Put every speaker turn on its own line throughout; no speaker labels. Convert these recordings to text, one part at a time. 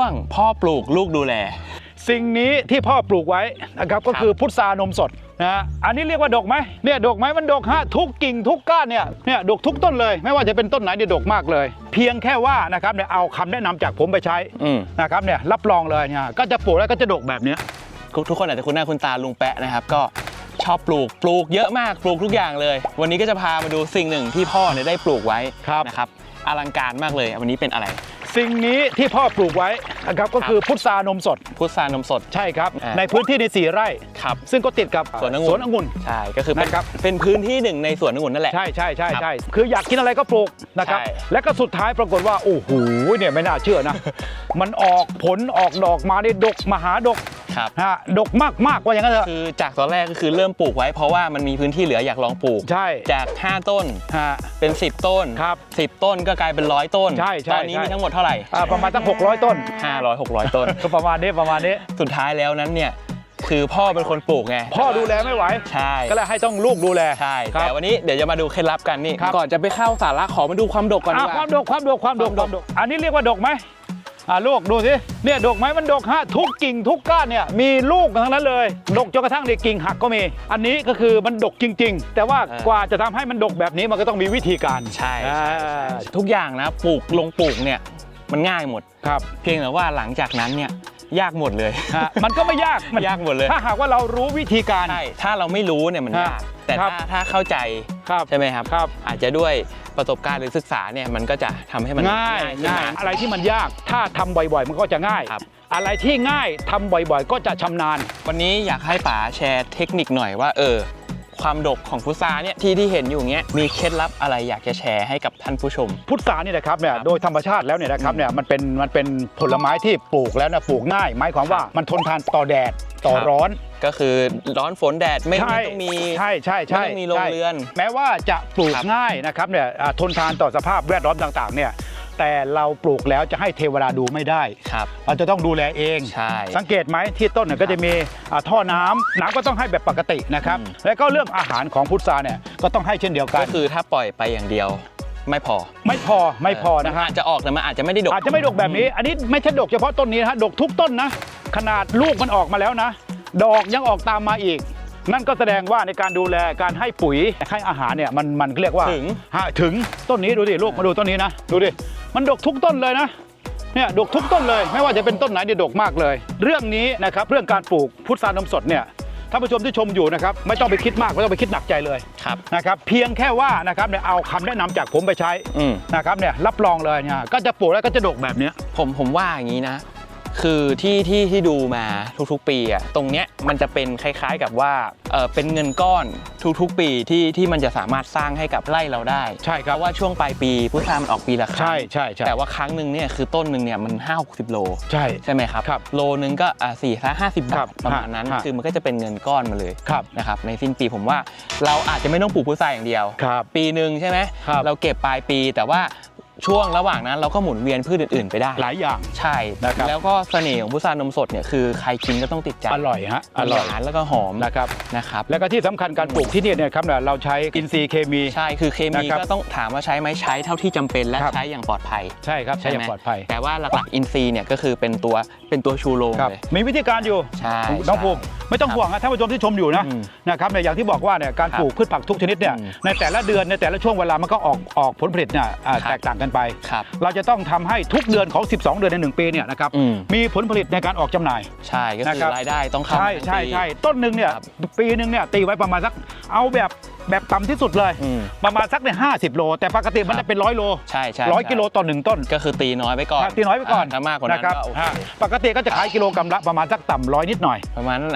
งพ่อปลูกลูกดูแล
สิ่งนี้ที่พ่อปลูกไว้นะครับก็คือพุทรานมสดนะอันนี้เรียกว่าดกไหมเนี่ยดกไหมมันดกฮะทุกกิ่งทุกก้านเนี่ยดกทุกต้นเลยไม่ว่าจะเป็นต้นไหนเนี่ยดกมากเลยเพียงแค่ว่านะครับเนี่ยเอาคำแนะนำจากผมไปใช้นะครับเนี่ยรับรองเลยเนี่ยก็จะปลูกแล้วก็จะดกแบบนี้
ทุกคนอาจจะคุ้นหน้าคุ้นตาลุงแปะนะครับก็ชอบปลูกเยอะมากปลูกทุกอย่างเลยวันนี้ก็จะพามาดูสิ่งหนึ่งที่พ่อเนี่ยได้ปลูกไว้นะครับอลังการมากเลยวันนี้เป็นอะไร
สิ่งนี้ที่พ่อปลูกไว้นะครับก็คือพุทรานมสด
พุทรานมสด
ใช่ครับในพื้นที่ใน4 ไร่
ครับ
ซึ่งก็ติดกับ
สวนองุ่นใช่ก็คือเป็นพื้นที่หนึ่งในสวนองุ่นนั่นแหละ
ใช่คืออยากกินอะไรก็ปลูกนะครับและก็สุดท้ายปรากฏว่าโอ้โหเนี่ยไม่น่าเชื่อนะมันออกผลออกดอกมาได้ดกมหาดกดกมากว่าอย่างนั้นเถอะ
คือจากตอนแรกก็คือเริ่มปลูกไว้เพราะว่ามันมีพื้นที่เหลืออยากลองปลูก
ใช่
จาก5ต้นเป็น10ต้น
ครับ
10ต้นก็กลายเป็น100ต้นตอนนี้มีทั้งหมดเท่าไหร่
ประมาณตั้ง600ต้น
500-600ต้น
ก็ประมาณนี้
สุดท้ายแล้วนั้นเนี่ยคือพ่อเป็นคนปลูกไง
พ่อดูแลไม่ไหว
ใช่
ก็เลยให้ต้องลูกดูแล
ใช่แต่วันนี้เดี๋ยวจะมาดูเคล็ดลับกันนี่ก่อนจะไปเข้าสาระขอมาดูความดกก่อนดีกว่า
ความดกอันนี้เรียกว่าดกไหมลูกดูสิเนี่ยดกไหมมันดกฮะทุกกิ่งทุกก้านเนี่ยมีลูกทั้งนั้นเลยดกจนกระทั่งในกิ่งหักก็มีอันนี้ก็คือมันดกจริงๆแต่ว่ากว่าจะทำให้มันดกแบบนี้มันก็ต้องมีวิธีการ
ใช่ทุกอย่างนะปลูกเนี่ยมันง่ายหมด
ครับ
เพียงแต่ว่าหลังจากนั้นเนี่ยยากหมดเลย
มันก็ไม่ยาก
มันยากหมดเลย
ถ้าหากว่าเรารู้วิธีการ
ใช่ถ้าเราไม่รู้เนี่ยมันยากแต่ถ้าเข้าใจใช่ไหมครับอาจจะด้วยประสบการณ์หรือศึกษาเนี่ยมันก็จะทำให้มัน
ง่ายอะไรที่มันยากถ้าทำบ่อยๆมันก็จะง่ายอะไรที่ง่ายทำบ่อยๆก็จะชำนาญ
วันนี้อยากให้ป๋าแชร์เทคนิคหน่อยว่าความดกของพุทราเนี่ยที่เห็นอยู่เงี้ยมีเคล็ดลับอะไรอยากจะแชร์ให้กับท่านผู้ชม
พุทราเนี่ยนะครับเนี่ยโดยธรรมชาติแล้วเนี่ยนะครับเนี่ยมันเป็นผลไม้ที่ปลูกแล้วนะปลูกง่ายหมายความว่ามันทนทานต่อแดดต่อร้อน
ก็คือร้อนฝนแดดไม่ต้องมี
ใช่
ไม่ต้องมีโรงเรือน
แม้ว่าจะปลูกง่ายนะครับเนี่ยทนทานต่อสภาพแวดล้อมต่างๆเนี่ยแต่เราปลูกแล้วจะให้เทวดาดูไม่ได้เราจะต้องดูแลเองสังเกตไหมที่ต้นเนี่ยก็จะมีท่อน้ำก็ต้องให้แบบปกตินะครับแล้วก็เรื่องอาหารของพุทราเนี่ยก็ต้องให้เช่นเดียวกัน
ก็คือถ้าปล่อยไปอย่างเดียวไม่พอ
นะฮะ
จะออกแต่มันอาจจะไม่ได้ดก
แบบนี้อันนี้ไม่ใช่ดกเฉพาะต้นนี้นะฮะดกทุกต้นนะขนาดลูกมันออกมาแล้วนะดอกยังออกตามมาอีกนั่นก็แสดงว่าในการดูแลการให้ปุ๋ยให้อาหารเนี่ยมันเรียกว่าถึงต้นนี้ดูดิลูกมาดูต้นนี้นะดูดิมันดกทุกต้นเลยนะเนี่ยดกทุกต้นเลยไม่ว่าจะเป็นต้นไหนเนี่ยดกมากเลยเรื่องนี้นะครับเรื่องการปลูกพุทรานมสดเนี่ยท่านผู้ชมที่ชมอยู่นะครับไม่ต้องไปคิดมากไม่ต้องไปคิดหนักใจเลยนะครับเพียงแค่ว่านะครับเนี่ยเอาคำแนะนำจากผมไปใช้นะครับเนี่ยรับรองเลยเนี่ยก็จะปลูกแล้วก็จะดกแบบนี้
ผมว่าอย่างนี้นะคือที่ดูมาทุกๆปีอ่ะตรงเนี้ยมันจะเป็นคล้ายๆกับว่าเป็นเงินก้อนทุกๆปีที่มันจะสามารถสร้างให้กับไร่เราได้
ใช่ครับ
เพราะว่าช่วงปลายปีพุทรามันออกปีละครั้ง
ใช่
แต่ว่าครั้งหนึ่งเนี่ยคือต้นหนึ่งเนี่ยมัน50-60 โลใช่ไหมครับโลนึงก็4-50 บาทประมาณนั้นคือมันก็จะเป็นเงินก้อนมาเลยนะครับในสิ้นปีผมว่าเราอาจจะไม่ต้องปลูกพุทราอย่างเดียวปีหนึ่งใช่ไหมเราเก็บปลายปีแต่ว่าช่วงระหว่างนั้นเราก็หมุนเวียนพืชอื่นๆไปได้
หลายอย่าง
ใช่แล้วก็เสน่ห์ของพุทรานมสดเนี่ยคือใครกินก็ต้องติดใจ
อร่อยฮะ
อร่อยแล้วก็หอม
นะครับ
แล้ว
ก็ที่สำคัญการปลูกที่นี่เนี่ยครับเราใช้อินทรีย์เคมี
ใช่คือเคมีก็ต้องถามว่าใช้ไหมใช้เท่าที่จำเป็นและใช้อย่างปลอดภัย
ใช่ครับใช้อย่างปลอดภัย
แต่ว่าหลักๆอินทรีย์เนี่ยก็คือเป็นตัวชูโรงเลย
มีวิธีการอยู่น้องภูมิไม่ต้องห่วงนะท่านผู้ชมที่ชมอยู่นะครับในอย่างที่บอกว่าเนี่ยการปลูกพืชผักทุกชนิดเนี่ยในแต่ละเดือนในแต่ละช่วงเวลามันก็ออกผลผลิตเนี่ยแตกต่างกันไปเราจะต้องทำให้ทุกเดือนของ12เดือนใน1ปีเนี่ยนะครับมีผลผลิตในการออกจำหน่าย
ใช่ก็คือรายได้ต้องเข้า
ใช่ต้นหนึ่งเนี่ยปีหนึ่งเนี่ยตีไว้ประมาณสักเอาแบบต่ำที่สุดเลยประมาณสักเนี่ย50 โลแต่ปกติมันจะเป็น100 โล
ใช่
100 กิโลต่อ1ต้น
ก็คือตีน้อยไปก่อน
ถ้
ามากกว่านั้นก็
ปกติก็จะขายกิโลกรัมละประมาณสักต่ำ100นิดหน่อย
ประมาณ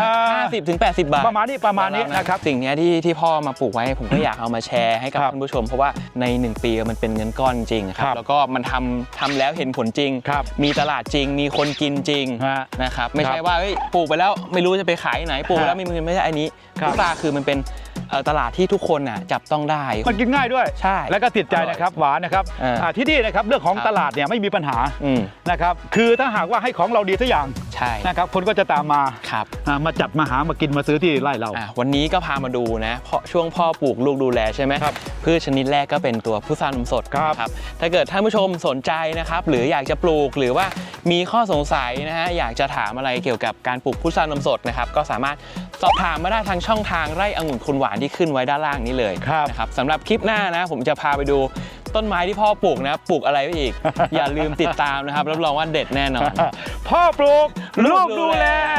50-80 บาท
ประมาณนี้นะครับ
สิ่งนี้ที่พ่อมาปลูกไว้ผมก็อยากเอามาแชร์ให้กับท่านผู้ชมเพราะว่าใน1ปีมันเป็นเงินก้อนจริงครับแล้วก็มันทำแล้วเห็นผลจริงมีตลาดจริงมีคนกินจริงนะครับไม่ใช่ว่าปลูกไปแล้วไม่รู้จะไปขายไหนปลูกแล้วไม่ใช่อันนี้พุทราคือมันเป็นตลาดที่ทุกคนจับต้องได้
มันกินง่ายด้วย
ใช่
แล้วก็ติดใจนะครับหวานนะครับที่นี่นะครับเรื่องของตลาดเนี่ยไม่มีปัญหานะครับคือถ้าหากว่าให้ของเราดีทุกอย่าง
ใช่
นะครับคนก็จะตามมามาจับมาหามากินมาซื้อที่ไร่เรา
วันนี้ก็พามาดูนะเพราะช่วงพ่อปลูกลูกดูแลใช่ไหมพืชชนิดแรกก็เป็นตัวพุทรานมสดครับถ้าเกิดท่านผู้ชมสนใจนะครับหรืออยากจะปลูกหรือว่ามีข้อสงสัยนะฮะอยากจะถามอะไรเกี่ยวกับการปลูกพุทรานมสดนะครับก็สามารถสอบถามมาได้ทางช่องทางไร่องุ่นคุณหวานที่ขึ้นไว้ด้านล่างนี้เลยนะครับสำหรับคลิปหน้านะผมจะพาไปดูต้นไม้ที่พ่อปลูกนะปลูกอะไรไปอีก อย่าลืมติดตามนะครับรับรองว่าเด็ดแน่นอน
พ่อปลูกลูกดูแล